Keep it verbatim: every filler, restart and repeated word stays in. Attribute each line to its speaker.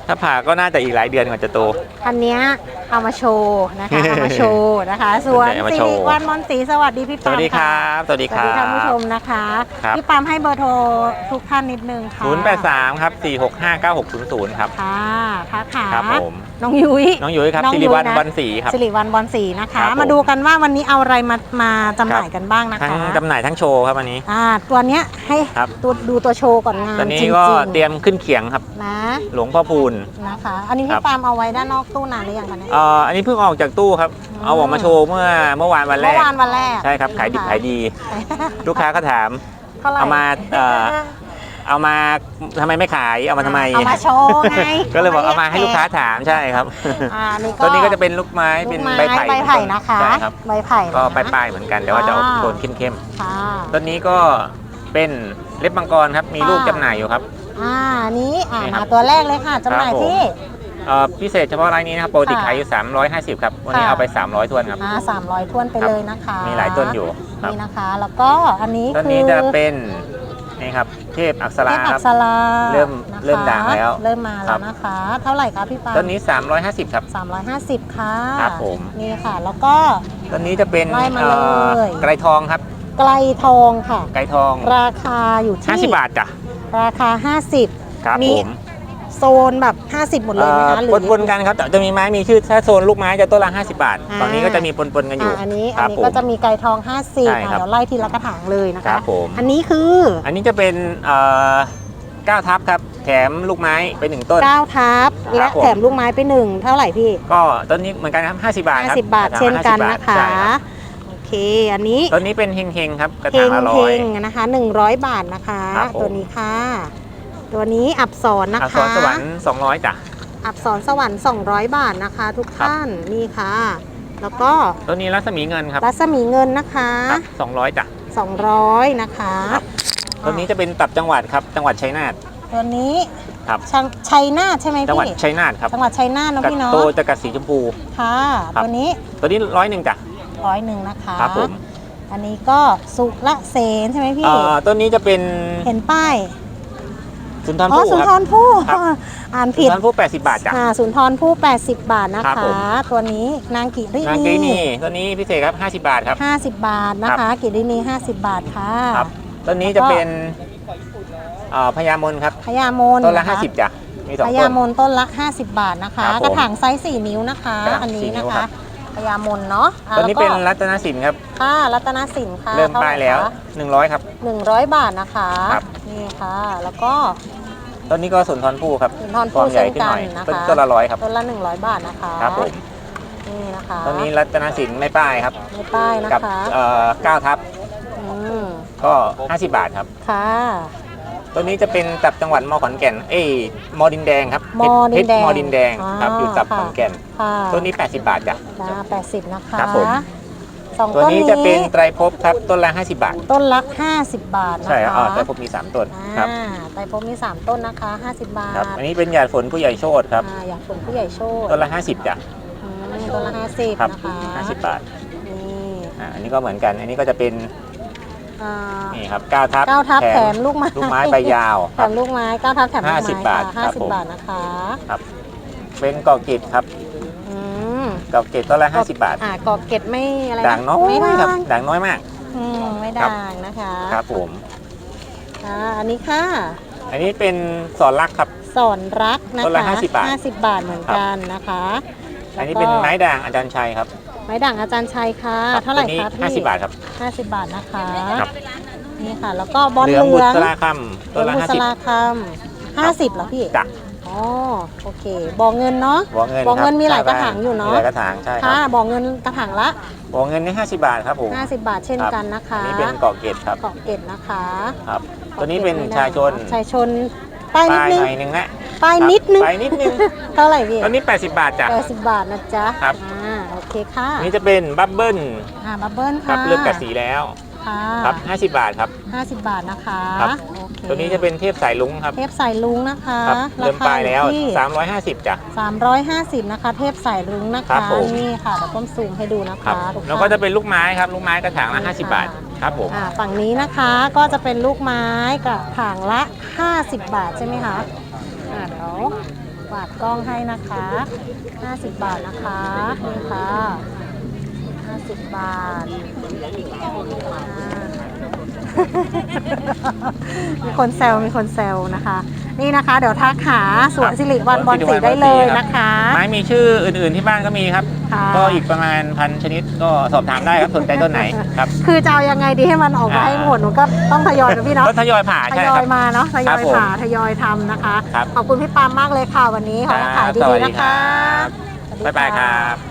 Speaker 1: ถ้าผ่าก็น่าจะอีกหลายเดือนกว่าจะโต
Speaker 2: อันเนี้ยเอามาโชว์นะคะเอามาโชว์นะคะส่วนสิริวัลย์มนต์ศรีสวัสดีพี่ปาม
Speaker 1: สวัสดีครับสวัสดีครับ
Speaker 2: ท่านผู้ชมนะคะพี่ปามให้เบอร์โทรทุกท่านนิดนึงค่ะ
Speaker 1: ศูนย์แปดสามครับสี่หกห้าเก้าหกศูนย์ศูนย์ครับ
Speaker 2: ค่ะค่ะค่ะ
Speaker 1: ครับผม
Speaker 2: น้องยุ้ย
Speaker 1: น้องยุ้ยครับสิริวัลย์บอลศรีครับ
Speaker 2: สิริวัลย์บอลศรีนะคะมาดูกันว่าวันนี้เอาอะไรมามาจำหน่ายกันบ้างนะคะ
Speaker 1: ทั้งจำหน่ายทั้งโชว์ครับวันนี้
Speaker 2: อ่าตัวเนี้ยให้ตัวดูตัวโชว์ก่อนงาน
Speaker 1: ตัวนี้ก็เตรียมขึ้นเขียงครับ
Speaker 2: นะ
Speaker 1: หลวงพ่อพูน
Speaker 2: นะคะอันนี้พี่ปามเอาไว้ด้านนอกตู้นานหรือยังคะเนี่ย
Speaker 1: อ่าอันนี้เพิ่งออกจากตู้ครับเอาออกมาโชว์เมื่อเมื่อวานวันแรก
Speaker 2: เมื่อวานวันแรก
Speaker 1: ใช่ครับขายดิบขายดีลูกค้าก็ถามเอามาเอามาทำไมไม่ขายเอามาทำไม
Speaker 2: เอามาโชว์ไง
Speaker 1: ก็เลยบอกเอามาให้ลูกค้าถามใช่ครับตัวนี้ก็จะเป็นลูกไม้เป็นใบไผ่
Speaker 2: ใบไผ่นะคะ
Speaker 1: ใช่ครับ
Speaker 2: ใบไผ่
Speaker 1: ก็ปลายๆเหมือนกันแต่ว่าจะออกโทนเข้มๆต้นนี้ก็เป็นเล็บมังกรครับมีลูกจำหน่ายอยู่ครับ
Speaker 2: อ่านี้อ่ามาตัวแรกเลยค่ะจำหน่ายที่
Speaker 1: พิเศษเฉพาะรายนี้นะครับปกติขายอยู่สามร้อยห้าสิบครับวันนี้เอาไปสามร้อยทวนครับ
Speaker 2: อ่าสามร้อยทวนไปเลยนะคะ
Speaker 1: มีหลายต้นอยู่
Speaker 2: นี่นะคะแล้วก็อันนี้
Speaker 1: ต้นนี้จะเป็นนี่ครับเทพอักษราครับเริ่มเริ่มด่างแล้ว
Speaker 2: เริ่มมาแล้วนะคะเท่าไหร่คะพี่ปา
Speaker 1: ต้นนี้สามร้อยห้าสิบครับ
Speaker 2: สามร้อยห้าสิบค่ะ
Speaker 1: ครับผม
Speaker 2: นี่ค่ะแล้วก็
Speaker 1: ต้นนี้จะเป็นไกรทองครับ
Speaker 2: ไกรทองค่ะ
Speaker 1: ไกรทอง
Speaker 2: ราคาอยู่ที่
Speaker 1: ห้าสิบบาทจ้ะ
Speaker 2: ราคาห้าสิบ
Speaker 1: ครับผม
Speaker 2: โซนแบบห้าสิบหมดเลยนะคะหรือ
Speaker 1: ปนๆกันครับแต่จะมีไม้มีชื่อถ้าโซนลูกไม้จะต้นละห้าสิบบาทตอนนี้ก็จะมีปนๆกันอยู่
Speaker 2: อันนี้อันนี้ก็จะมีไก่ทองห้าสิบเดี๋ยวไล่ทีละกระถางเลยนะคะอันนี้คือ
Speaker 1: อันนี้จะเป็นเก้าทับครับแถมลูกไม้ไปหนึ่งต้น
Speaker 2: เก้าทับและแถมลูกไม้ไปหนึ่งเท่าไหร่พี่
Speaker 1: ก็ต้นนี้เหมือนกันครับห้าสิบบาทครับ
Speaker 2: ห้าสิบบาทเช่นกันนะคะโอเคอันนี้
Speaker 1: ต้นนี้เป็นเฮงๆครับกระถางละร้อย
Speaker 2: นะคะหนึ่งร้อยบาทนะคะตัวนี้ค่ะตัวนี้อับสรนะคะ
Speaker 1: อับสรสวรรค์สองร้อยจ้ะ
Speaker 2: อับสรสวรรค์สองร้อยบาทนะคะทุกท่านนี่ค่ะแล้วก็
Speaker 1: ตัวนี้รัศมีเงินครับ
Speaker 2: รัศมีเงินนะคะ
Speaker 1: สองร้อยจ้ะ
Speaker 2: สองร้อยนะคะ
Speaker 1: ตัวนี้จะเป็นตับจังหวัดครับจังหวัดชัยนาท
Speaker 2: ตัวนี้
Speaker 1: ครับ
Speaker 2: ชัยนาทใช่ไหมพี่
Speaker 1: จังหวัดชัยนาทครับ
Speaker 2: จังหวัดชัยนาทนะพี่เนาะ
Speaker 1: โตจะกัดสีชมพู
Speaker 2: ค่ะตัวนี้
Speaker 1: ตัวนี้ร้อยหนึ่งจ้ะ
Speaker 2: ร้อยหนึ่งนะคะ
Speaker 1: ครับผม
Speaker 2: อันนี้ก็สุระเสนใช่ไหมพี่
Speaker 1: ตัวนี้จะเป็น
Speaker 2: เห็นป้าย
Speaker 1: สุนทรภู่
Speaker 2: สุนทรภู่อ่านผิด
Speaker 1: สุนทรภู่แปดสิบบาทจ้ะ
Speaker 2: สุนทรภู่แปดสิบบาทนะคะตัวนี้นางกิริ
Speaker 1: นีนางกิรินีตัวนี้พิเศษครับห้าสิบบาทครับ
Speaker 2: ห้าสิบบาทนะคะกิรินีห้าสิบบาทค่ะ
Speaker 1: ครับตัวนี้จะเป็นพญามนครับ
Speaker 2: พญามน
Speaker 1: ต้นละห้าสิบจ้ะมีสองต้น
Speaker 2: พญามนต้นละห้าสิบบาทนะคะกระถางไซส์สี่นิ้วนะคะอันนี้นะคะพญามนเนาะ
Speaker 1: ตัวนี้เป็นรัตนสินครับ
Speaker 2: ค่ะรัตนสินค่ะ
Speaker 1: เริ่มป้ายแล้วหนึ่งร้อยครับ
Speaker 2: หนึ่งร้อยบาทนะคะนี่ค่ะแล้วก็
Speaker 1: ต้นนี้ก็สุนทรภู่ครับ
Speaker 2: สุนทรภู่
Speaker 1: ใหญ่ขึ้นหน่อยต้นละร้อยครับ
Speaker 2: ต้นละหนึ่งร้อยบาทนะคะ
Speaker 1: ครับผม
Speaker 2: นี่นะคะ
Speaker 1: ต้นนี้รัตนสินไม่ป้ายครับ
Speaker 2: ไม่ป้ายนะคะ
Speaker 1: กับเก้าทับก็ห้าสิบบาทครับ
Speaker 2: ค่ะ
Speaker 1: ตัวนี้จะเป็นตับจังหวัดมอขอนแก่นเอ้ยมอดินแดงครับ
Speaker 2: มอดินแดง
Speaker 1: มอดินแดงครับอยู่ตับขอนแก่นตัวนี้แปดสิบบาทจ้ะ
Speaker 2: แปดสิบนะคะ
Speaker 1: ครับผมตัวนี้จะเป็นไตรภพครับต้นละห้าสิบบาท
Speaker 2: ต้นละห้าสิบบาทนะคะ
Speaker 1: ใช่อ๋อไตรภพมีสามต้นครับ
Speaker 2: ไตรภพมีสามต้นนะคะห้าสิบบาท
Speaker 1: ครับอันนี้เป็นหยาดฝนผู้ใหญ่โชติครับ
Speaker 2: หยาดฝนผู้ใหญ่โชติ
Speaker 1: ต้นละห้าสิบจ้ะ
Speaker 2: ต้นละห้าสิบนะคะ
Speaker 1: ห้าสิบบาทนี่อันนี้ก็เหมือนกันอันนี้ก็จะเป็นนี่ครับเก้าทับ
Speaker 2: เก้าทับแถมลูกไม้
Speaker 1: ลูกไม้ใบยาว
Speaker 2: แถมลูกไม้เก้าทับแถม
Speaker 1: ห้าสิบบาท
Speaker 2: ห้าสิบบาทนะคะ
Speaker 1: ครับเป็นกอกิดครับกอเกตต้นละห้าสิบบาท
Speaker 2: อ่ากอเกตไม่อะไร
Speaker 1: ด่างน้อยครับด่างน้อยมาก
Speaker 2: อืมไม่ด่างนะคะ
Speaker 1: ครับผม
Speaker 2: อ่าอันนี้ค่ะ
Speaker 1: อันนี้เป็นสอนรักครับ
Speaker 2: สอนรักนะคะ
Speaker 1: ต้นละห้าสิบบาท
Speaker 2: ห้าสิบบาทเหมือนกันนะคะ
Speaker 1: อันนี้เป็นไม้ด่างอาจารย์ชัยครับ
Speaker 2: ไม้ด่างอาจารย์ชัยค่ะเท่าไหร่คะพี่
Speaker 1: ห้าสิบบาทครับ
Speaker 2: ห้าสิบบาทนะคะนี่ค่ะแล้วก็บอลเหลื
Speaker 1: องบุษ
Speaker 2: รา
Speaker 1: คำต้นละห้าสิบ
Speaker 2: ห้าสิบเหรอพี่
Speaker 1: จ้ะ
Speaker 2: อ๋อโอเคบ่อเงินเนาะ
Speaker 1: บ่อเงิน
Speaker 2: บ่อเงินมีหลายกระถางอยู่เนาะ
Speaker 1: มีหลายกระถางใช่
Speaker 2: ค่ะบ่อเงินกระถางละ
Speaker 1: บ่อเงินนี่ห้าสิบบาทครับผม
Speaker 2: ห้าสิบบาทเช่นกันนะคะ
Speaker 1: นี่เป็นเกาะเกตครับ
Speaker 2: เกาะเกตนะคะ
Speaker 1: ครับตัวนี้เป็นชายชน
Speaker 2: ชายชนป้ายนิดนึง
Speaker 1: นึงนะ
Speaker 2: ป้ายนิดนึง
Speaker 1: ป้ายนิดนึง
Speaker 2: เท่าไหร่พี่
Speaker 1: ตัวนี้แปดสิบบาทจ้ะ
Speaker 2: แปดสิบบาทนะจ๊ะ
Speaker 1: ครับ
Speaker 2: อ่าโอเคค่ะ
Speaker 1: นี่จะเป็นบับเบิ้ล
Speaker 2: อ่าบับเบิ้ล
Speaker 1: ค่ะเริ่มกัดสีแล้วครับห้าสิบบาทครับ
Speaker 2: ห้าสิบบาทนะคะ
Speaker 1: ตัวนี้จะเป็นเทพสายลุงครับ
Speaker 2: เทพสายลุงนะคะ
Speaker 1: เริ่มปลายแล้วสามร้อยห้าสิบจ้ะ
Speaker 2: สามร้อยห้าสิบนะคะเทพสายลุงนะคะนี่ค่ะเดี๋ยวต้มซูมให้ดูนะคะ
Speaker 1: แล้วก็จะเป็นลูกไม้ครับลูกไม้กระถางละห้าสิบบาทครับผม
Speaker 2: ฝั่งนี้นะคะก็จะเป็นลูกไม้กระถางละห้าสิบบาทใช่ไหมคะอ่าเดี๋ยวกวาดกล้องให้นะคะห้าสิบบาทนะคะนี่ค่ะห้าสิบบาทอ่า มีคนแซวมีคนแซวนะคะ นี่นะคะเดี๋ยวทักหาสวนสิริวัลย์บอลสีได้เลยนะคะ
Speaker 1: ไม้มีชื่ออื่นๆที่บ้านก็มีครับ
Speaker 2: ค่ะ
Speaker 1: ก็อีกประมาณพันชนิดก็สอบถามได้ครับสนใจต้นไหนครับ
Speaker 2: คือจะเอายังไงดีให้มันออกมาให้หมดหนูก็ต้องทยอยนะพี่เนาะ
Speaker 1: ก็ทยอยผ่า
Speaker 2: ท
Speaker 1: ใช่
Speaker 2: ย
Speaker 1: ค
Speaker 2: อ
Speaker 1: รั
Speaker 2: ย
Speaker 1: บ
Speaker 2: มาเนาะทย
Speaker 1: ครั
Speaker 2: อบ ย
Speaker 1: ผม
Speaker 2: ผ่าทยอยทำนะคะ
Speaker 1: ครับ
Speaker 2: ขอบคุณพี่ปามมากเลยค่ะวันนี้ขอให้ขาย
Speaker 1: ส
Speaker 2: ดี
Speaker 1: วัส
Speaker 2: ๆ
Speaker 1: ดี
Speaker 2: นะ
Speaker 1: ครั
Speaker 2: คะ
Speaker 1: บบ๊ายบายครับ